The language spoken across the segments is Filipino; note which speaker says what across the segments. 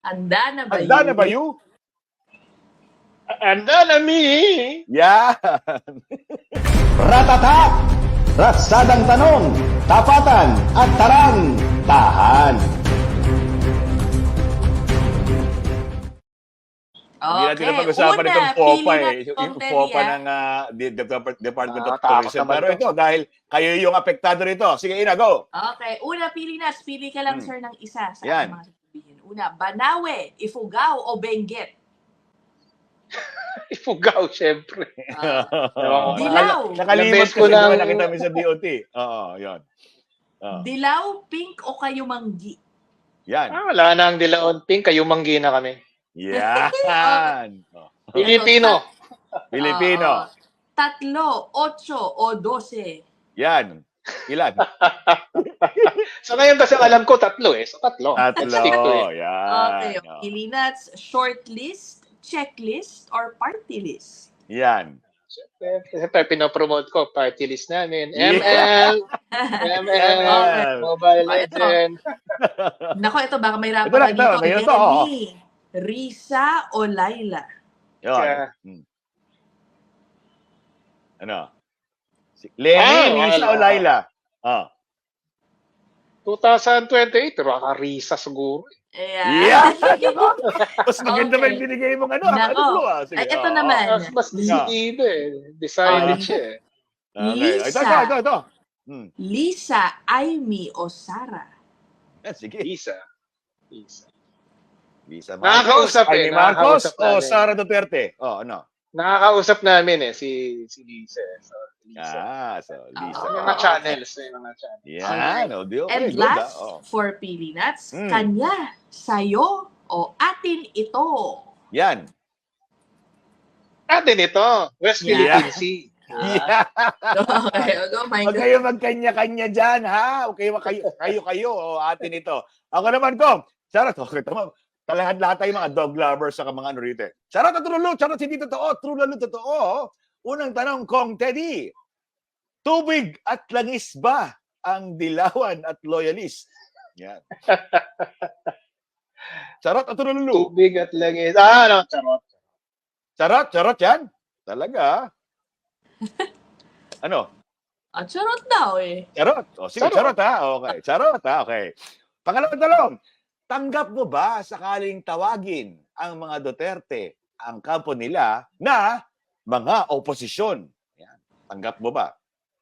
Speaker 1: Handa na ba
Speaker 2: Handa na ba you?
Speaker 3: Handa na mi.
Speaker 2: Yan.
Speaker 4: Ratata! Ratsadang tanong, tapatan at tarang, tahan.
Speaker 2: Hindi natin
Speaker 1: Okay.
Speaker 2: napag-usapan
Speaker 1: Una,
Speaker 2: itong FOPA
Speaker 1: pili na
Speaker 2: eh. Yung
Speaker 1: itong
Speaker 2: FOPA
Speaker 1: Delia.
Speaker 2: ng Department of
Speaker 3: Takot
Speaker 2: Tourism.
Speaker 3: naman
Speaker 2: Pero
Speaker 3: to.
Speaker 2: ito, dahil kayo yung apektado rito. Sige, Ina, go.
Speaker 1: Okay. Una, pili na. Pili ka lang, sir, ng isa sa
Speaker 2: Yan.
Speaker 1: ating mga sasabihin. Una, Banawe, Ifugao, o Benguet?
Speaker 3: Ifugao, syempre.
Speaker 1: Dilaw.
Speaker 2: Nakalimot
Speaker 3: Nabes
Speaker 2: ko
Speaker 3: ko
Speaker 2: na
Speaker 3: ng-
Speaker 2: nakita mo sa DOT. Oo, yun.
Speaker 1: Dilaw, Pink, o Kayumanggi?
Speaker 2: Yan.
Speaker 3: Wala na ang dilaon pink, kayo manggi na kami.
Speaker 2: Yan.
Speaker 3: Filipino.
Speaker 2: Pilipino.
Speaker 1: 3, 8, o 12?
Speaker 2: Yan. Ilan?
Speaker 3: So ngayon kasi alam ko tatlo eh. So tatlo. Let's stick to
Speaker 2: Tatlo.
Speaker 3: it.
Speaker 1: Okay.
Speaker 2: Yan.
Speaker 1: Pili na. Shortlist, checklist, or party list?
Speaker 2: Yan.
Speaker 3: Siyempre, pinopromote ko party list namin.
Speaker 2: Yeah.
Speaker 3: ML,
Speaker 1: Okay.
Speaker 3: Mobile
Speaker 1: Oh, ito.
Speaker 3: Legend.
Speaker 1: Nako, ito baka may rapat
Speaker 2: Ito lang,
Speaker 1: ka dito.
Speaker 2: ito, ngayon to, oo.
Speaker 1: Lenny, Risa, o Laila?
Speaker 2: Yun.
Speaker 3: Siya.
Speaker 2: Ano? Lenny, Lisa, o Laila?
Speaker 3: 2028, pero Risa siguro.
Speaker 1: Ayan.
Speaker 2: Yeah. Mas maganda ba yung binigay mong ano?
Speaker 1: Nako.
Speaker 2: Sige,
Speaker 1: Ay, ito naman.
Speaker 3: Mas decidido eh. Decided siya eh.
Speaker 2: Okay.
Speaker 1: Lisa.
Speaker 2: Ito.
Speaker 1: Lisa, Amy, o Sarah?
Speaker 2: Sige.
Speaker 3: Lisa.
Speaker 2: Lisa
Speaker 3: Nakakausap eh,
Speaker 2: Amy Marcos
Speaker 3: nakakausap
Speaker 2: o
Speaker 3: namin.
Speaker 2: Sara Duterte? Ano?
Speaker 3: Nakakausap namin eh, si Lisa. So, Lisa.
Speaker 2: So Lisa.
Speaker 1: Oo.
Speaker 3: May mga channels.
Speaker 2: Yan. Okay,
Speaker 1: And
Speaker 2: good,
Speaker 1: last,
Speaker 2: ah.
Speaker 1: for Pili Nuts,
Speaker 2: Mm.
Speaker 1: kanya, sayo, o atin ito?
Speaker 2: Yan.
Speaker 3: Atin ito, West
Speaker 1: Yeah.
Speaker 3: Philippine Sea.
Speaker 2: Yeah.
Speaker 1: Okay, oh my
Speaker 2: Huwag
Speaker 1: God.
Speaker 2: kayo magkanya-kanya dyan, ha? Huwag kayo, o atin ito. Ako naman ko, Charot, okay, tama. Lahat tayo mga dog lovers sa mga ano rito. Charot at true, charot hindi totoo, true lalo totoo. Unang tanong kong Teddy, tubig at langis ba ang dilawan at loyalist? Yan. Charot at true.
Speaker 3: Tubig at langis. No, charot.
Speaker 2: Charot yan? Talaga? Ano?
Speaker 1: Charot daw eh.
Speaker 2: Charot. O sige, charot ha. Okay. Charot ha. Okay. Pangalawang talong. Tanggap mo ba sakaling tawagin ang mga Duterte ang kampo nila na mga oposisyon? Yan. Tanggap mo ba?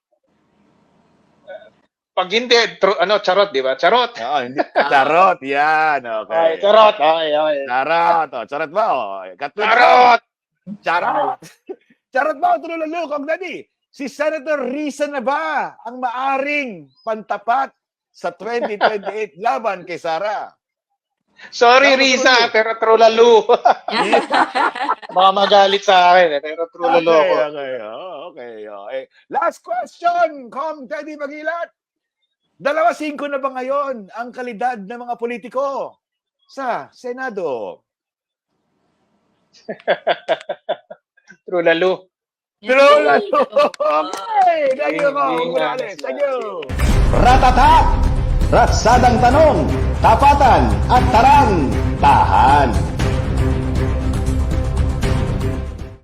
Speaker 3: Pag hindi, charot, di ba? Charot.
Speaker 2: Oo, hindi. Charot. Yan. Okay.
Speaker 3: Ay, charot. Okay.
Speaker 2: Charot. O, charot ba? O,
Speaker 3: Charot!
Speaker 2: Charot. Charot ba? Tululalo, Kong Daddy. Si Senator Risa na ba ang maaring pantapat sa 2028 laban kay Sara?
Speaker 3: Sorry, Risa, pero trulalo. Baka magalit sa akin, pero trulalo ko.
Speaker 2: Okay. Last question, Kong Teddy Magilat. 2-5 na ba ngayon ang kalidad ng mga politiko sa Senado?
Speaker 3: Trulalo.
Speaker 2: Trulalo! Okay! Thank you, Kong. Thank you.
Speaker 4: Ratata! Ratsadang tanong, tapatan at tarang, tahan.